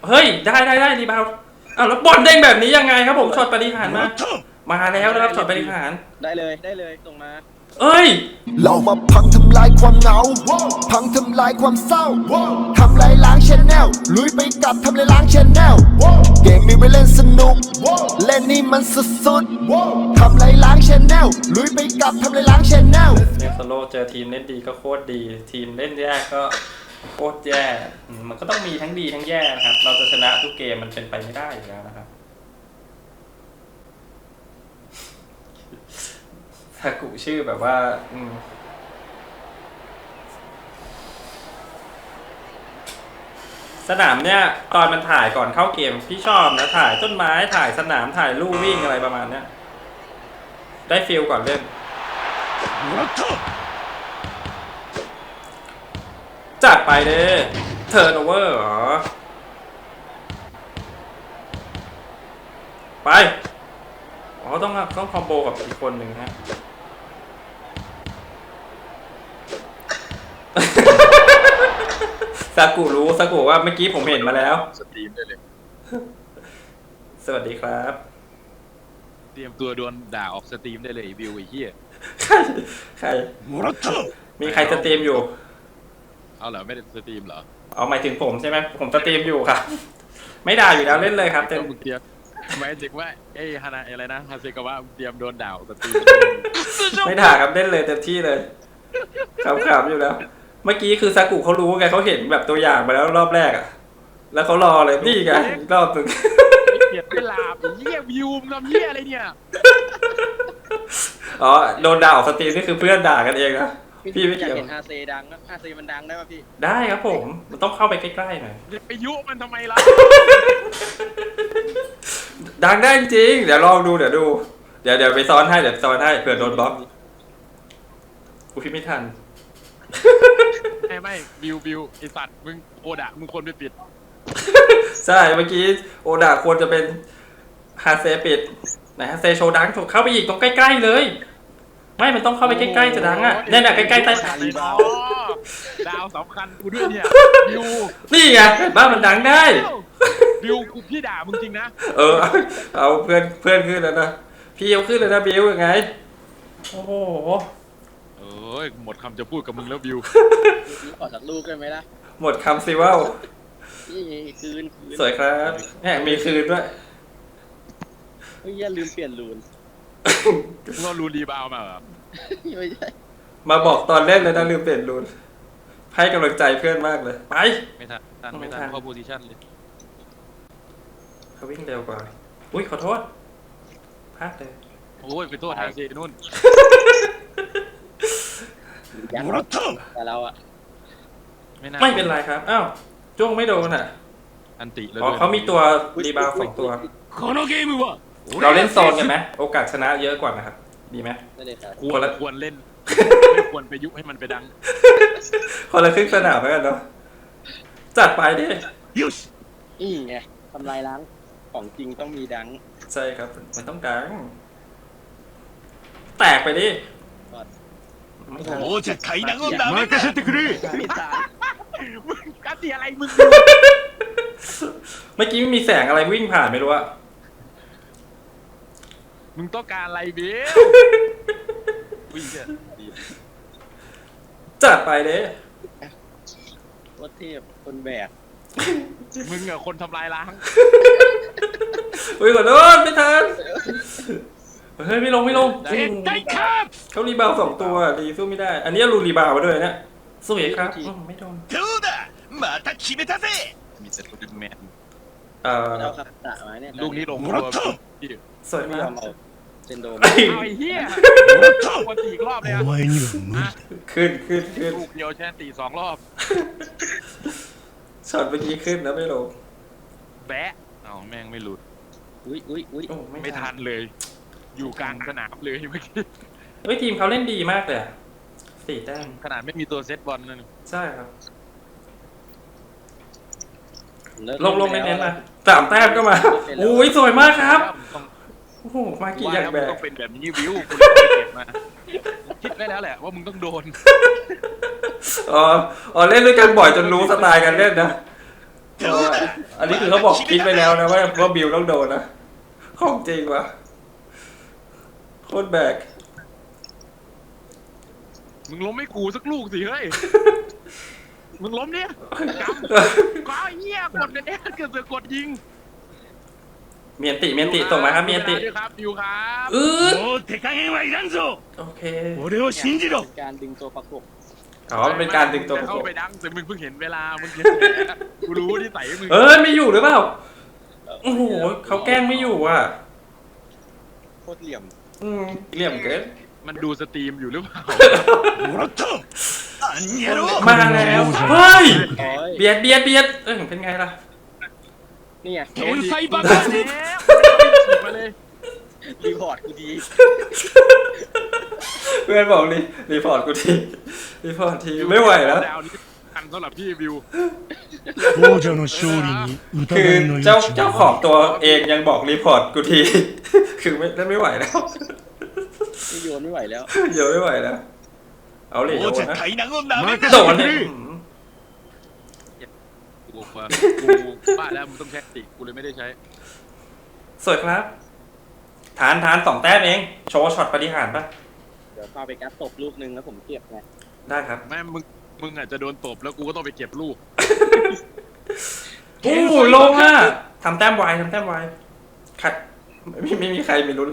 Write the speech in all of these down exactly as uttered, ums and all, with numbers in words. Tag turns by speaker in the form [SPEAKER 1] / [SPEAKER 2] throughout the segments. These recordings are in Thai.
[SPEAKER 1] เฮ้ยได้ได้ได้รีบาวอ้าวแล้วบอลเด้งแบบนี้ยังไงครับผมช็อตปฏิหารมามาแล้วนะครับช็อตปฏิหาร
[SPEAKER 2] ได้เลยได้เลยส่งมา
[SPEAKER 1] เอ้ย
[SPEAKER 3] เรามาพังทำลายความเหงาพังทำลายความเศร้าทำลายล้างชแนลลุยไปกับทำลายล้างชแนลเกมมีไว้เล่นสนุกเล่นนี่มันสุดๆทำลายล้างชแนลลุยไปกับทำลายล้างชแนล
[SPEAKER 1] เนี่ยสโลเจอทีมเล่นดีก็โคตรดีทีมเล่นแย่ก็โคตรแย่มันก็ต้องมีทั้งดีทั้งแย่นะครับเราจะชนะทุกเกมมันเป็นไปไม่ได้อยู่แล้วนะครับซากุชื่อแบบว่าสนามเนี่ยตอนมันถ่ายก่อนเข้าเกมพี่ชอบนะถ่ายต้นไม้ถ่ายสนามถ่ายลู่วิ่งอะไรประมาณเนี้ยได้ฟีลก่อนเล่นจัดไปเด้เทิร์นโอเวอร์เหรอไปอ๋อต้องต้องคอมโบกับอีกคนหนึ่งฮะซากุรู้ซากุว่าเมื่อกี้ผมเห็นมาแล้ว
[SPEAKER 4] สตรีมได้เลย
[SPEAKER 1] สวัสดีครับ
[SPEAKER 4] เตรียมตัวโดนด่าออกสตรีมได้เลยวิวไอ้เหี้ย
[SPEAKER 1] ใครใครมีใครสตรีมอยู่
[SPEAKER 4] เอาเหรอไม่ได้สตรีมเหรอ
[SPEAKER 1] เอาหมายถึงผมใช่ไหมผมสตรีมอยู่ครับไม่ด่าอยู่แล้วเล่นเลยครับเต็ม
[SPEAKER 4] เตรียมหมายถึงว่าไอ้ฮานาอะไรนะฮาเซกาวะเตรียมโดนด่าสตรีม
[SPEAKER 1] ไม่ด่าครับเล่นเลยเต็มที่เลยขำๆอยู่แล้วเมื่อกี้คือซากุเขารู้ไงเขาเห็นแบบตัวอย่างมาแล้วรอบแรกอ่ะแล้วเขารอเลยนี่ไงรอบนึง
[SPEAKER 4] เกลียดไม่ลาบเหี้ยวิวทำเหี้ยอะไรเนี่ย
[SPEAKER 1] อ๋อโดนด่าออกสตรีมนี่คือเพื่อนด่ากันเองนะพี่ไม่
[SPEAKER 2] อยาก
[SPEAKER 1] เกี่ยว
[SPEAKER 2] เห็นฮาเซดังนะฮาเซมันดังได้ป่ะพี่
[SPEAKER 1] ได้ครับผมมันต้องเข้าไปใกล้ๆหน่อย
[SPEAKER 4] ไปยุมันทำไมล่ะ
[SPEAKER 1] ดังได้จริงเดี๋ยวลองดูเดี๋ยวดูเดี๋ยวเดี๋ยวไปซ้อนให้เดี๋ยวซ้อนให้เผื่อโดนบล็อกกูพี่ไม่ทัน
[SPEAKER 4] ไม่ไม่วิววิวไอสัตว์มึงโอดะมึงคนไปปิด
[SPEAKER 1] ใช่เมื่อกี้โอดะควรจะเป็นฮาเซปิดไหนฮาเซโชว์ดังเข้าไปอีกตรงใกล้ๆเลยไม่มันต้องเข้าไปใกล้ๆจะดังอ่ะเนี่ยใกล้ๆใต้ฐาน
[SPEAKER 4] ดาวสำคัญกูด้วยเนี่ยวิว
[SPEAKER 1] นี่ไงบ้านมันดังได้
[SPEAKER 4] วิวกูพี่ด่ามึงจริงนะ
[SPEAKER 1] เออเอาเพื่อนเพื่อนขึ้นแล้วนะพี่เอาขึ้นแล้วนะบิวยังไงโอ้โห
[SPEAKER 4] เอ้ยหมดคำจะพูดกับมึงแล้ววิว
[SPEAKER 2] ขอสักลูกได้ไหมล่ะ
[SPEAKER 1] หมดคำสิว่า
[SPEAKER 2] นี่คืน
[SPEAKER 1] สวยครับแหมมีคืนด้วย
[SPEAKER 2] เฮ้ยอย่าลืมเปลี่ยนรูน
[SPEAKER 4] เรารูนรีบาวมาเหรอ
[SPEAKER 2] ไม่ใช่
[SPEAKER 1] มาบอกตอนเล่นเลยนะลืมเปลี่ยนรูนให้กำลังใจเพื่อนมากเลยไป
[SPEAKER 4] ไม่ทันทันไม่ทันเข้าโพซิชั่นเลย
[SPEAKER 1] เขาวิ่งเร็วกว่าอุ้ยขอโทษพลาดเลย
[SPEAKER 4] โอ้ยไปโทษทางซีนู่น
[SPEAKER 2] ยังแต่เราอะ
[SPEAKER 1] ไม่เป็นไรครับอ้าวจ้วงไม่โดนอ่ะ
[SPEAKER 4] อันติเลย
[SPEAKER 1] เขามีตัวรีบาวสองตัวเราเล่นโซนกันไหมโอกาสชนะเยอะกว่านะครับดีไหม
[SPEAKER 4] ควรควรเล่นไม่ควรไปยุให้มันไปดัง
[SPEAKER 1] คนละครึ่งสนามแล้วกันเนาะจัดไปดิ
[SPEAKER 2] นี่ไงทำลายล้างของจริงต้องมีดัง
[SPEAKER 1] ใช่ครับมันต้องดังแตกไปดิ
[SPEAKER 4] โอ้จะไขดังก็ดังมาเกษตรกรีมึงกัดตีอะไรมึง
[SPEAKER 1] เมื่อกี้มีแสงอะไรวิ่งผ่านไม่รู้อะ
[SPEAKER 4] มึงต้องการอะไรเบี้ยววิ่งเถอะ
[SPEAKER 1] จัดไปเด้
[SPEAKER 2] วัดเทพคนแบก
[SPEAKER 4] มึงอะคนทำลายล้าง
[SPEAKER 1] อุ้ยขอโทษไม่ทันเฮ้ยไม่ลงไม่ลงเขารีบาวสองตัวรีสู้ไม่ได้อันนี้รูรีบาวมาด้วยเนี่ยสู้เอกครับไม่โดน
[SPEAKER 4] มีแต่ตัวดึงแมน
[SPEAKER 1] เอ่อ
[SPEAKER 4] ลูกนี้ลงตัว
[SPEAKER 1] สวยมาก
[SPEAKER 2] เซนโด
[SPEAKER 4] ไอ้เหี้ยวันตีอีกรอบเลยอ่ะ
[SPEAKER 1] ขึ้นขึ้นขึ้น
[SPEAKER 4] ลูกเดียวแช่ตีสองรอบ
[SPEAKER 1] ช็อตเมื่อกี้ขึ้นแล้วไม่ลง
[SPEAKER 4] แบะเอาแม่งไม่หลุด
[SPEAKER 2] อุ้ยอุ้ยอุ้ย
[SPEAKER 4] ไม่ทันเลยอยู่กลางสนามเลยเมื่อกี้
[SPEAKER 1] เฮ้ยทีมเขาเล่นดีมากเลยสี่แต้ม
[SPEAKER 4] ขนาดไม่มีตัวเซตบอลนั่น
[SPEAKER 1] ใช่ครับลงลงเน้นๆมาสามแต้มก็มาโอ้ยสวยมากครับโอ้โหมากี่อย่างแบบ
[SPEAKER 4] ต้องเป็นแบบนี้วิวคุณต้องไปเก็บมาคิดไว้แล้วแหละว่ามึงต้องโดน
[SPEAKER 1] อ๋ออ๋อเล่นด้วยกันบ่อยจนรู้สไตล์การเล่นนะ
[SPEAKER 4] っておった。
[SPEAKER 1] อันนี้คือเขาบอกคิดไปแล้วนะว่าว่าบิวต้องโดนนะของจริงวะโคตรแบก
[SPEAKER 5] มึงล้มไม่กูสักลูกสิเฮ้ย มึงล้มเนี่ยกำก็เหี้ยกดกันเนี่ยเกิดเสือกดยิง
[SPEAKER 1] เมียนติเมียนติส่งมาครับเมียนติ
[SPEAKER 5] ด้วยครับอยู่ครับ
[SPEAKER 1] อืด
[SPEAKER 4] もう手加減はいらんぞ。
[SPEAKER 1] โอเค
[SPEAKER 4] 俺を信じろ。
[SPEAKER 2] เป็นการดึงตัวประกบ
[SPEAKER 1] อ๋อเป็นการดึงตัวประ
[SPEAKER 5] เข้าก
[SPEAKER 1] บ
[SPEAKER 5] ไปดังแต่มึงเพิ่งเห็นเวลามึงเห็นกูรู้ที่ใส่มึง
[SPEAKER 1] เอ้ยไม่อยู่หรือเปล่าโอ้โหเขาแกล้งไม่อยู่อ่ะ
[SPEAKER 2] โคตรเหลี่ยม
[SPEAKER 1] อืมเหลี่ยมเกิน
[SPEAKER 5] มันดูสตรีมอยู่หรือเปล่า
[SPEAKER 4] もらった。あんやろ。
[SPEAKER 1] มาแล้วเฮ้ย
[SPEAKER 2] โอ้ย
[SPEAKER 1] เบียดเบียดเบียดเออเป็นไงล่ะ
[SPEAKER 2] นี่ไง
[SPEAKER 5] โดนไซบักแล้วฉีกมาเลย
[SPEAKER 2] รีพอร์ตกูดี
[SPEAKER 1] เพื่อนบอกรีรีพอร์ตกูทีรีพอร์ตทีไม่ไหวแล้ว
[SPEAKER 5] ดาวนี้ทันสำหรับพี่วิว
[SPEAKER 4] 王者の勝利に
[SPEAKER 1] คือ
[SPEAKER 4] 疑いの余
[SPEAKER 1] เจ้า
[SPEAKER 4] 地
[SPEAKER 1] เจ้า
[SPEAKER 4] は
[SPEAKER 1] ของตัวเองยังบอกรีพอร์ตกูที คือไม่ได้ไม่ไหวแล้ว
[SPEAKER 2] นี่โยนไม่ไหวแล้ว
[SPEAKER 1] เดี๋ยวไม่ไหวแล้ว เอาเลยโด
[SPEAKER 4] 王
[SPEAKER 1] น
[SPEAKER 4] 者
[SPEAKER 1] นะ
[SPEAKER 4] 海南をなめん
[SPEAKER 1] โด
[SPEAKER 4] な。
[SPEAKER 1] นเนี่ย
[SPEAKER 5] กูว่ากูบ้าแล้วมึงต้องใช้ติกูเลยไม่ได้ใช้
[SPEAKER 1] สวยครับฐานฐานสองแต้มเอง โชว์ช็อตปฏิหารย์ปะ
[SPEAKER 2] เดี๋ยวฟาไปกัสตบลูกนึงแล้วผมเก็บไง
[SPEAKER 1] ได้ครับ
[SPEAKER 5] แม่มึงมึงอาจจะโดนตบแล้วกูก็ต้องไปเก็บลูก
[SPEAKER 1] โอ้โหลงอ่ะทำแต้มไวทำแต้มไวขัดไม่ไม่มีใครมีลุ้นเลย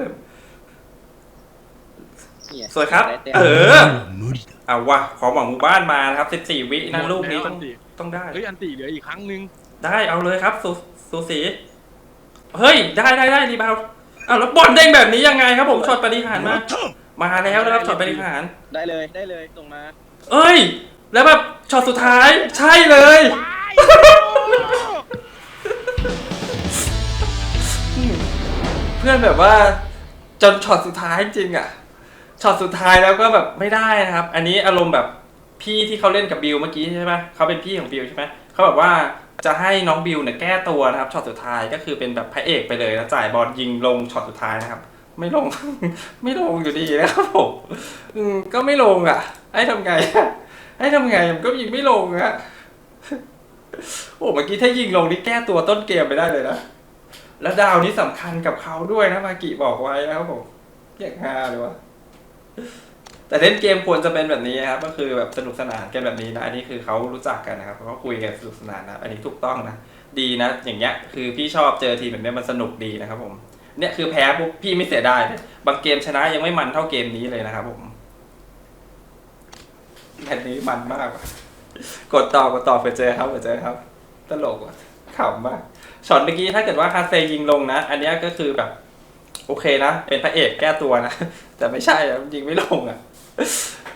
[SPEAKER 2] นี่ไง
[SPEAKER 1] สวยครับ
[SPEAKER 2] ได้แต้ม
[SPEAKER 1] เออ
[SPEAKER 4] 無理だ。
[SPEAKER 1] เอาว่ะของหวังหมู่บ้านมานะครับสิบสี่วินะลูกนี้ต้อง
[SPEAKER 5] หมดแล้วอันติ
[SPEAKER 1] ต้องได้
[SPEAKER 5] เฮ้ยอันติเหลืออีกครั้งนึง
[SPEAKER 1] ได้เอาเลยครับสูสูสี เฮ้ย ได้ได้ได้รีบาวอ้าวแล้วบอลเด้งแบบนี้ยังไงครับผมช็อตปฏิหารย์
[SPEAKER 4] も
[SPEAKER 1] มา
[SPEAKER 4] らった。
[SPEAKER 1] มาแล้วนะครับช็อตปฏิหารย์
[SPEAKER 2] ได้เลยได้เลยตรงมา
[SPEAKER 1] เอ้ย แล้วแบบช็อตสุดท้ายใช่เลย เพื่อนแบบว่าจนช็อตสุดท้ายจริงอะช็อตสุดท้ายแล้วก็แบบไม่ได้นะครับ อันนี้อารมณ์แบบพี่ที่เขาเล่นกับบิวเมื่อกี้ใช่ไหมเขาเป็นพี่ของบิวใช่ไหมเขาแบบว่าจะให้น้องบิวเนี่ยแก้ตัวนะครับช็อตสุดท้ายก็คือเป็นแบบพระเอกไปเลยแล้วจ่ายบอลยิงลงช็อตสุดท้ายนะครับ ไม่ลง ไม่ลงอยู่ดีนะครับผมอืมก็ไม่ลงอ่ะให้ทำไงอะให้ทำไงมันก็ยิงไม่ลงอะโอ้เมื่อกี้ถ้ายิงลงนี่แก้ตัวต้นเกมไปได้เลยนะแล้วดาวนี้สำคัญกับเขาด้วยนะมากิบอกไว้นะครับผมอย่างฮาเลยวะแต่เล่นเกมควรจะเป็นแบบนี้ครับก็คือแบบสนุกสนานกันแบบนี้นะอันนี้คือเขารู้จักกันนะครับเขาคุยกันสนุกสนานนะอันนี้ถูกต้องนะดีนะอย่างเงี้ยคือพี่ชอบเจอทีมแบบนี้มันสนุกดีนะครับผมเนี่ยคือแพ้ปุ๊บพี่ไม่เสียดายเลยบางเกมชนะยังไม่มันเท่าเกมนี้เลยนะครับผมแมตช์นี้มันมากว่ะกดต่อกดต่อไปเจอครับไปเจอครับตลกว่ะขำมากช็อตเมื่อกี้ถ้าเกิดว่าคาเซยิงลงนะอันนี้ก็คือแบบโอเคนะเป็นพระเอกแก้ตัวนะแต่ไม่ใช่อะยิงไม่ลงอ่ะ